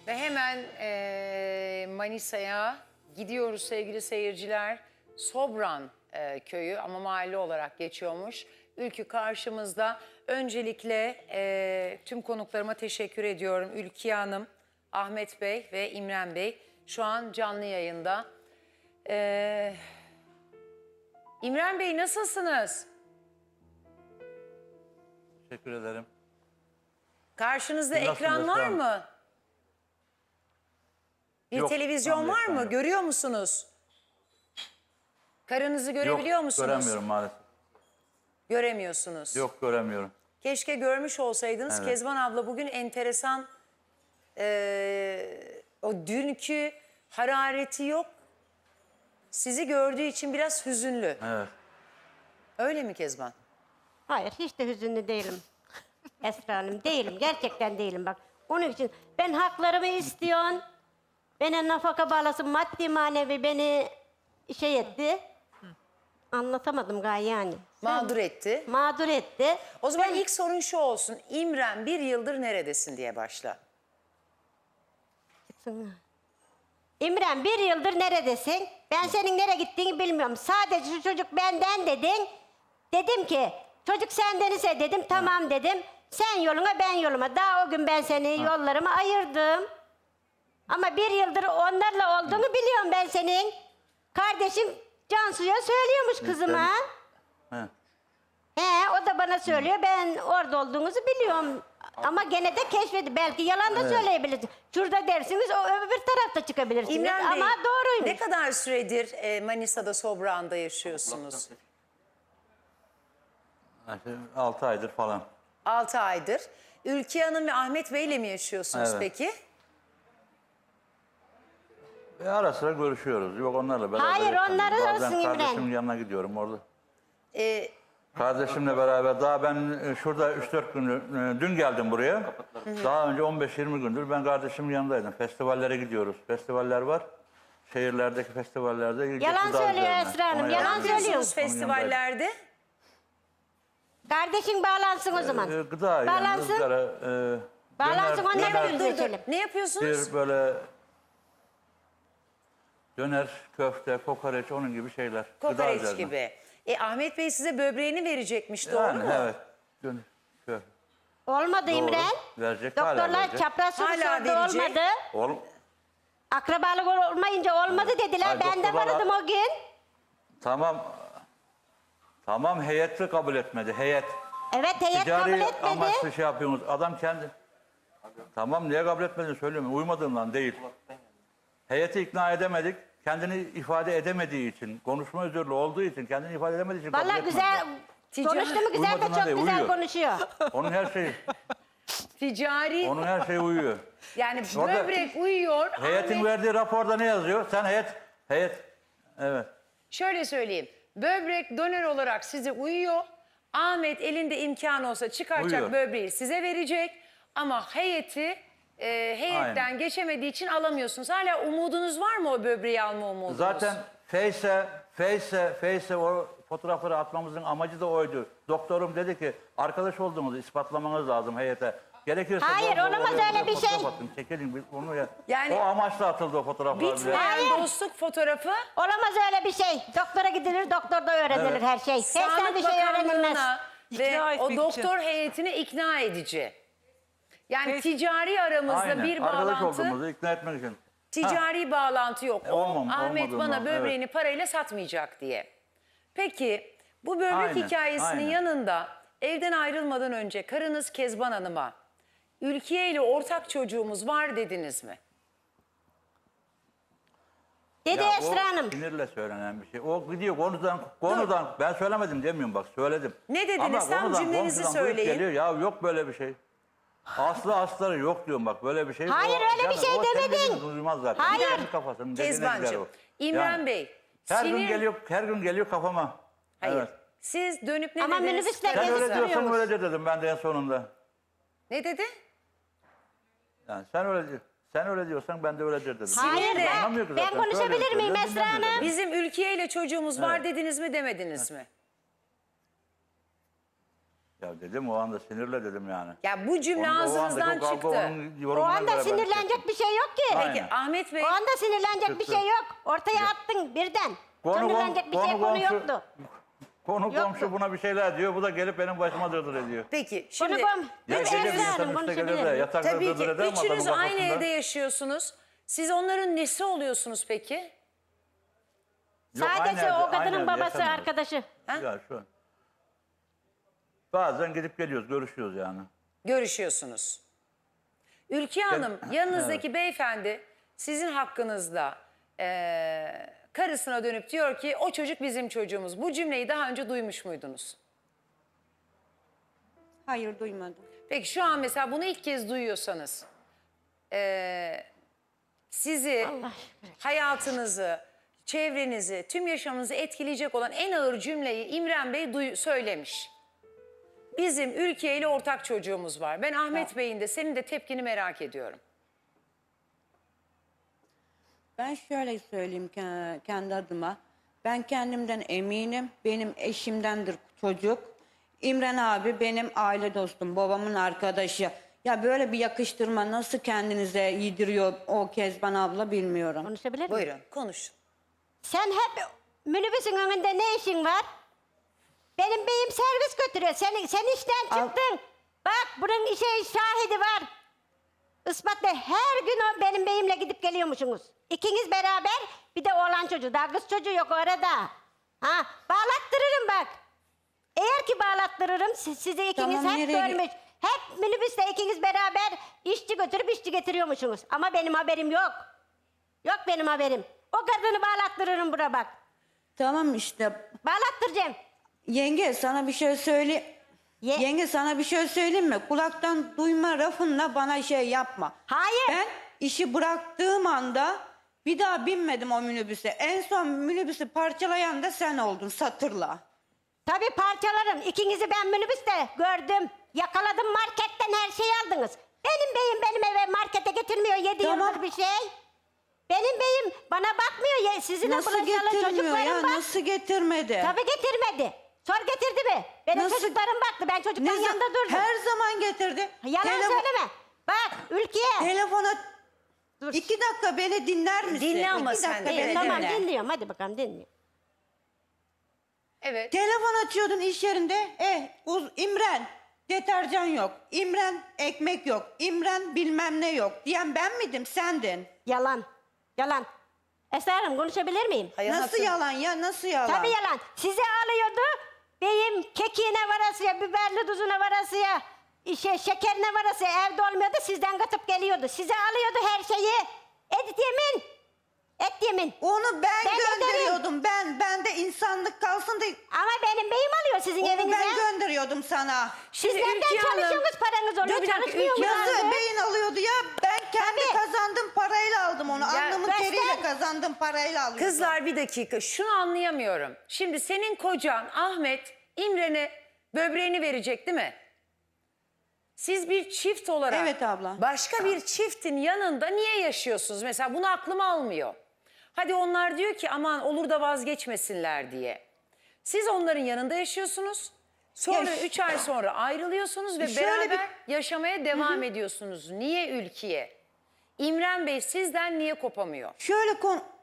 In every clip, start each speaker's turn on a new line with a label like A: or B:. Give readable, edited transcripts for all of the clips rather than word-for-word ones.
A: Ve hemen Manisa'ya gidiyoruz sevgili seyirciler. Sobran köyü ama mahalle olarak geçiyormuş. Ülkü karşımızda. Öncelikle tüm konuklarıma teşekkür ediyorum. Ülkiye Hanım, Ahmet Bey ve İmren Bey şu an canlı yayında. İmren Bey nasılsınız?
B: Teşekkür ederim.
A: Karşınızda
B: Nasılsınız
A: ekran var
B: efendim?
A: mı? Bir
B: Yok,
A: televizyon
B: şu anda
A: var
B: ekran
A: mı?
B: yok.
A: Görüyor musunuz? Karınızı görebiliyor
B: Yok,
A: musunuz?
B: göremiyorum maalesef.
A: Göremiyorsunuz.
B: Yok, göremiyorum.
A: Keşke görmüş olsaydınız.
B: Evet.
A: Kezban abla bugün enteresan o dünkü harareti yok. Sizi gördüğü için biraz hüzünlü.
B: Evet.
A: Öyle mi Kezban?
C: Hayır, hiç de hüzünlü değilim. Esra Hanım, değilim. Gerçekten değilim bak. Onun için ben haklarımı istiyorsun. Bana nafaka bağlasın, maddi manevi beni şey etti. Anlatamadım galiba yani.
A: Mağdur etti.
C: Mağdur etti.
A: O zaman ilk sorun şu olsun. İmren bir yıldır neredesin diye başla.
C: İmren bir yıldır neredesin? Ben senin nereye gittiğini bilmiyorum. Sadece şu çocuk benden dedin. Dedim ki çocuk senden ise dedim tamam dedim. Sen yoluna ben yoluma. Daha o gün ben seni yollarıma ayırdım. Ama bir yıldır onlarla olduğunu biliyorum ben senin. Kardeşin Cansu'ya söylüyormuş kızıma.
B: He.
C: He, o da bana söylüyor. Ben orada olduğunuzu biliyorum. Ama gene de keşfedi. Belki yalan da söyleyebilirsiniz. Şurada dersiniz, o öbür tarafta çıkabilirsiniz.
A: İmren Bey,
C: Ama doğruymuş.
A: ne kadar süredir Manisa'da Sobran'da yaşıyorsunuz?
B: 6 aydır falan.
A: 6 aydır. Ülkiye Hanım ve Ahmet Bey'le mi yaşıyorsunuz
B: Evet.
A: peki?
B: Ara sıra görüşüyoruz. Yok onlarla beraber.
C: Hayır,
B: yaşamıyoruz.
C: onları
B: Bazen
C: arasın İmren.
B: kardeşimin yanına gidiyorum orada.
A: E,
B: Kardeşimle beraber daha ben şurada 3-4 gündür, dün geldim buraya. Daha önce 15-20 gündür ben kardeşimin yanındaydım. Festivallere gidiyoruz. Festivaller var. Şehirlerdeki festivallerde.
C: Yalan
B: gıda
C: söylüyor
B: üzerine.
C: Esra Hanım,
B: Ona
C: yalan
B: yardım
C: söylüyor.
B: ediyoruz.
A: yapıyorsunuz festivallerde?
C: Kardeşin bağlansın o zaman.
B: Gıda yani
C: Bağlansın.
B: ızgara,
C: Bağlansın,
B: döner,
C: onlarla
B: döner,
C: görüşelim.
A: Ne yapıyorsunuz?
B: bir böyle döner, köfte, kokoreç onun gibi şeyler. Gıda
A: Kokoreç
B: üzerine.
A: gibi. Ahmet Bey size böbreğini verecekmiş, doğru
B: Yani
A: mu?
B: evet. Döner, köfte.
C: Olmadı
B: Doğru.
C: İmren.
B: Verecek, hala
C: Doktorlar
B: verecek.
C: çapraz soru
A: Hala
C: sordu,
A: verecek.
C: olmadı.
B: Oğlum
C: Akrabalık olmayınca olmadı dediler.
B: Hayır,
C: Ben de
B: doktorlar-
C: vardım o gün.
B: tamam. Tamam heyeti kabul etmedi. Heyet.
C: Evet, heyet kabul
B: Ticari
C: etmedi.
B: amaçlı şey yapıyorsunuz. Adam kendi. Tamam niye kabul etmediğini söylüyorum. Uymadığından değil. Heyeti ikna edemedik. Kendini ifade edemediği için, konuşma özürlü olduğu için, kendini ifade edemediği için kabul
C: Vallahi
B: etmediler.
C: güzel. Konuştu mu güzel de
B: Uymadığına
C: çok
B: değil,
C: güzel
B: uyuyor.
C: konuşuyor.
B: Onun her şeyi,
A: Ticari,
B: onun her şeyi uyuyor.
A: yani
B: Orada-
A: böbrek uyuyor.
B: Heyetin
A: Ahmet,
B: verdiği raporda ne yazıyor? Sen heyet, evet.
A: şöyle söyleyeyim. Böbrek donör olarak size uyuyor. Ahmet elinde imkan olsa çıkaracak
B: Uyuyor.
A: böbreği size verecek. Ama heyetten
B: Aynen.
A: geçemediği için alamıyorsunuz. Hala umudunuz var mı o böbreği alma umudunuz?
B: Zaten Face'e o fotoğrafları atmamızın amacı da oydu. Doktorum dedi ki arkadaş olduğumuzu ispatlamanız lazım heyete. Gerekirse
C: Hayır,
B: bol bol
C: olamaz
B: oraya
C: öyle bir
B: fotoğraf
C: şey.
B: atın, çekelim biz onu ya.
A: Yani-
B: o amaçla atıldı o fotoğraflar bile.
A: Bitmeyen
C: Hayır.
A: dostluk fotoğrafı
C: Olamaz öyle bir şey. Doktora gidilir, doktorda öğrenilir
B: Evet.
C: her şey. Heyetten
A: Sağlık
C: bir şey öğrenilmez.
A: Bakanlığı'na ve
D: İkna
A: o
D: etmek
A: doktor heyetini ikna edici. Yani ticari aramızda
B: Aynen.
A: bir
B: Arkadaş
A: bağlantı,
B: olduğumuzu ikna etmek için.
A: ticari bağlantı yok. Ahmet bana
B: olmadığından,
A: böbreğini parayla satmayacak diye. Peki bu böbrek
B: Aynen,
A: hikayesinin
B: aynen.
A: yanında evden ayrılmadan önce karınız Kezban Hanım'a Ülkiye ile ortak çocuğumuz var dediniz mi?
C: Dedi
B: Ya
C: Esra
B: o
C: Hanım.
B: sinirle söylenen bir şey. O gidiyor konudan ben söylemedim demiyorum bak söyledim.
A: Ne dediniz?
B: Ama
A: Tam
B: konudan,
A: cümlenizi
B: komşudan duyup
A: söyleyin.
B: Geliyor. Ya yok böyle bir şey. Asları yok diyorum bak böyle bir şey.
C: Hayır, öyle bir şey
B: o senin
C: demedin.
B: dediğini duymaz zaten.
C: Hayır.
B: Kendi kafasının dediğine gider
A: Kezbancığım,
B: o.
A: İmren
B: Yani
A: Bey,
B: Her gün
A: sinir...
B: geliyor kafama.
A: Hayır.
B: Evet.
A: Siz dönüp ne
C: Ama
A: dediniz?
C: minibüsle
B: Sen
A: karınıza?
B: öyle
C: gezip
B: diyorsan
C: duruyormuş.
B: öyle de dedim ben de en sonunda.
A: Ne dedi?
B: Yani sen öyle diyorsan ben de öyledir dedim.
C: Hayır,
A: de-
B: Anlamıyor ki
C: ben
B: zaten.
C: konuşabilir
B: Söylüyor,
C: miyim
B: söylüyor,
C: Esra
B: dinlemiyor
C: Hanım?
B: zaten.
A: Bizim Ülkiye ile çocuğumuz var
B: Evet.
A: dediniz mi demediniz mi?
B: Ya dedim o anda sinirle dedim yani.
A: Ya bu cümle
B: O
A: ağzınızdan
B: andaki o kavga
A: çıktı.
B: onun
C: O
B: yorumuna
C: anda
B: göre ben
C: sinirlenecek
B: hissettim.
C: bir şey yok ki.
B: Aynen.
A: Peki Ahmet Bey,
C: O anda sinirlenecek bir
B: Çıktı.
C: şey yok. Ortaya attın birden. Sinirlenecek bir şey konu yoktu.
B: Konu
C: Yoktu.
B: komşu buna bir şeyler diyor. Bu da gelip benim başıma dırdır ediyor.
A: peki
C: Konu
A: şimdi
C: kom.
B: Ya
C: Üç
B: gece bir
C: Esra
B: insan
C: Hanım
B: üstte gelir de
C: konuşabilir.
B: yatakta
A: tabii
B: dırdır
A: ki
B: eder mi
A: üçünüz
B: adamın
A: aynı
B: kafasında?
A: evde yaşıyorsunuz. Siz onların nesi oluyorsunuz peki?
B: Yok, aynı
C: Sadece
B: evde-
C: o
B: aynı
C: kadının
B: evde
C: babası
B: yaşamıyoruz.
C: arkadaşı.
A: Ha?
B: Ya şu an. Bazen gidip geliyoruz, görüşüyoruz yani.
A: Görüşüyorsunuz. Ülkiye Hanım, yanınızdaki beyefendi sizin hakkınızda karısına dönüp diyor ki o çocuk bizim çocuğumuz. Bu cümleyi daha önce duymuş muydunuz?
D: Hayır duymadım.
A: Peki şu an mesela bunu ilk kez duyuyorsanız sizi, hayatınızı, çevrenizi, tüm yaşamınızı etkileyecek olan en ağır cümleyi İmren Bey söylemiş. Bizim Ülkiye ile ortak çocuğumuz var. Ben Ahmet Bey'in de senin de tepkini merak ediyorum.
D: Ben şöyle söyleyeyim kendi adıma. Ben kendimden eminim. Benim eşimdendir çocuk. İmren abi benim aile dostum, babamın arkadaşı. Ya böyle bir yakıştırma nasıl kendinize yediriyor o Kezban abla bilmiyorum.
C: Konuşabilir miyim?
A: Buyurun konuşun.
C: Sen hep minibüsün önünde ne işin var? Benim beyim servis götürüyor. Sen işten çıktın. Bak bunun şahidi var. Ispatla her gün o benim beyimle gidip geliyormuşsunuz. İkiniz beraber bir de oğlan çocuğu. Daha kız çocuğu yok orada. Ha, bağlattırırım bak. Eğer ki bağlattırırım sizi ikiniz
D: Tamam,
C: hep
D: nereye
C: görmüş. Hep minibüste ikiniz beraber işçi götürüp işçi getiriyormuşsunuz. Ama benim haberim yok. Yok benim haberim. O kadını bağlattırırım bura bak.
D: Tamam işte.
C: Bağlattıracağım.
D: Yenge sana bir şey söyle. Yenge sana bir şey söyleyeyim mi? Kulaktan duyma lafınla bana şey yapma.
C: Hayır.
D: Ben işi bıraktığım anda bir daha binmedim o minibüse. En son minibüsü parçalayan da sen oldun satırla.
C: Tabii parçalarım. İkinizi ben minibüste gördüm. Yakaladım marketten her şeyi aldınız. Benim beyim benim eve markete getirmiyor 7
D: Tamam.
C: yıldır bir şey. Benim beyim bana bakmıyor. Sizinle
D: Nasıl
C: bulaşalı
D: getirmiyor
C: çocuklarım
D: ya?
C: var.
D: Nasıl getirmedi?
C: Tabii getirmedi. Sor getirdi mi? Benim
D: Nasıl-
C: çocuklarım baktı. Ben çocukların
D: Ne
C: yanında durdum.
D: Her zaman getirdi.
C: Yalan söyleme. Bak Ülkiye.
D: Telefona
C: Dur.
D: 2 dakika beni dinler misin?
A: Dinle ama
D: 2
A: sen
D: dakika
A: de,
D: beni
A: evet,
C: Tamam
D: dinle.
C: dinliyorum. Hadi bakalım dinliyorum.
A: Evet.
D: Telefon açıyordun iş yerinde. İmren deterjan yok. İmren ekmek yok. İmren bilmem ne yok. Diyen ben miydim sendin?
C: Yalan. Yalan. Esra Hanım konuşabilir miyim?
A: Hayatım,
D: Nasıl yalan ya nasıl yalan?
C: Tabii yalan. Sizi alıyordu. Beyim kekiğine varasıya, biberli tuzuna varasıya, şekerine varasıya evde olmuyordu. Sizden katıp geliyordu. Size alıyordu her şeyi. Et yemin. Et yemin.
D: Onu ben
C: Ben
D: gönderiyordum. Ben de insanlık kalsın diye.
C: Ama benim beyim alıyor sizin
D: Onu
C: evinize.
D: ben gönderiyordum sana.
C: Siz
A: Şimdi
C: nereden
A: Ülkiye Hanım-
C: çalışıyorsunuz paranız oluyor?
A: Dur bir dakika,
C: Çalışmıyor
A: Ülkiye
C: musunuz?
D: Yazı beyin alıyordu ya. Ben kendi
C: Tabii.
D: kazandığım parayla aldım onu. Alnımın
C: göster.
D: teriyle kazandığım parayla alıyordum.
A: Kızlar bir dakika şunu anlayamıyorum. Şimdi senin kocan Ahmet İmren'e böbreğini verecek değil mi? Siz bir çift olarak
D: Evet abla.
A: başka bir çiftin yanında niye yaşıyorsunuz? Mesela bunu aklım almıyor. Hadi onlar diyor ki aman olur da vazgeçmesinler diye. Siz onların yanında yaşıyorsunuz. Sonra
D: Ya
A: 3 ay sonra ayrılıyorsunuz ve
D: Şöyle
A: beraber yaşamaya devam ediyorsunuz. Niye Ülkiye? İmren Bey sizden niye kopamıyor?
D: Şöyle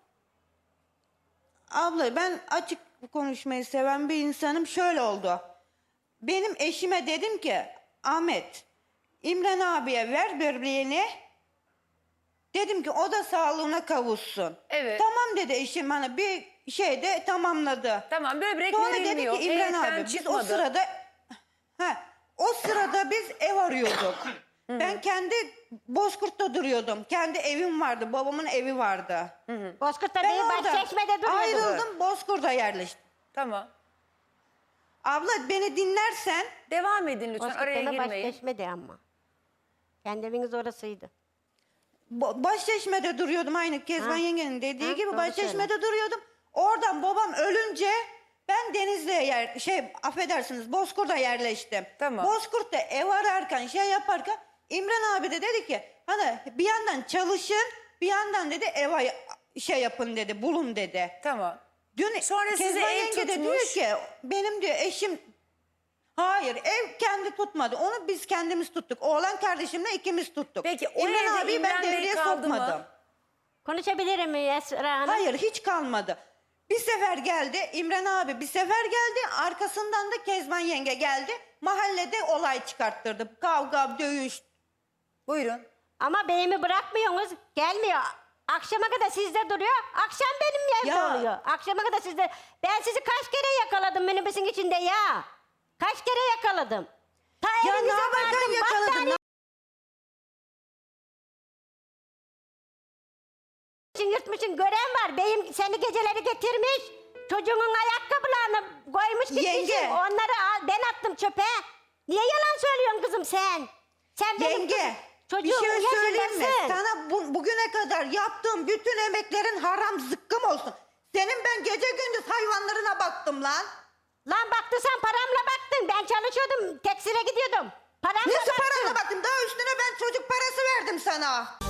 D: Abla ben açık konuşmayı seven bir insanım. Şöyle oldu. Benim eşime dedim ki Ahmet, İmren abiye ver böbreğini. Dedim ki o da sağlığına kavuşsun.
A: Evet.
D: Tamam dedi eşim bana bir şeyde tamamladı.
A: Tamam böbrek
D: Sonra dedi
A: verilmiyor.
D: ki İmren
A: Heyetten
D: abi biz
A: çıkmadı.
D: o sırada biz ev arıyorduk. Ben kendi Bozkurt'ta duruyordum. Kendi evim vardı. Babamın evi vardı.
C: Bozkurt'ta
D: Ben
C: değil
D: orada
C: Başçeşme'de duruyordu.
D: ayrıldım, Bozkurt'a yerleştim.
A: Tamam.
D: Abla beni dinlersen
A: Devam edin lütfen. Araya
C: Bozkurt'ta
A: girmeyin.
C: Başçeşme'de ama. Kendi eviniz orasıydı.
D: Başçeşme'de duruyordum aynı Kezban
C: Ha.
D: yengenin dediği
C: Ha,
D: gibi
C: doğru
D: Başçeşme'de duruyordum. Oradan babam ölünce ben Denizli'ye affedersiniz Bozkurt'a yerleştim.
A: Tamam.
D: Bozkurt'ta ev ararken yaparken İmren abi de dedi ki hani bir yandan çalışın bir yandan dedi yapın dedi bulun dedi.
A: Tamam.
D: Dün
A: Sonra size
D: Kezban
A: ev
D: yenge de diyor
A: tutmuş.
D: ki benim diyor eşim Hayır, ev kendi tutmadı. Onu biz kendimiz tuttuk. Oğlan kardeşimle ikimiz tuttuk.
A: Peki o
D: İmren
A: evde
D: abiyi ben
A: İmren Bey
D: devreye
A: kaldı mı?
D: sokmadım.
C: Konuşabilirim Esra Hanım?
D: Hayır, hiç kalmadı. Bir sefer geldi İmren abi, bir sefer geldi. Arkasından da Kezban yenge geldi. Mahallede olay çıkarttırdı. Kavga, dövüş.
A: Buyurun.
C: Ama beyimi bırakmıyorsunuz. Gelmiyor. Akşama kadar sizde duruyor. Akşam benim evde
D: Ya.
C: oluyor. Akşama kadar sizde. Ben sizi kaç kere yakaladım minibüsün içinde ya. Kaç kere yakaladım. Ta
D: Ya ne
C: evinize
D: yaparken
C: vardım.
D: yakaladın?
C: Battaniye yırtmışsın. Gören var. Beyim seni geceleri getirmiş. Çocuğun ayakkabılarını koymuş gitmişsin.
D: Yenge.
C: Onları ben attım çöpe. Niye yalan söylüyorsun kızım sen? Sen benim
D: Yenge,
C: kızım-
D: bir
C: çocuğumun
D: şey söyleyeyim mi?
C: yaşındasın.
D: Sana bugüne kadar yaptığım bütün emeklerin haram zıkkım olsun. Senin ben gece gündüz hayvanlarına baktım lan.
C: Lan baktın sen paramla baktın. Ben çalışıyordum. Tekstile gidiyordum. Paramla
D: Nasıl
C: baktım.
D: paranla baktım? Daha üstüne ben çocuk parası verdim sana.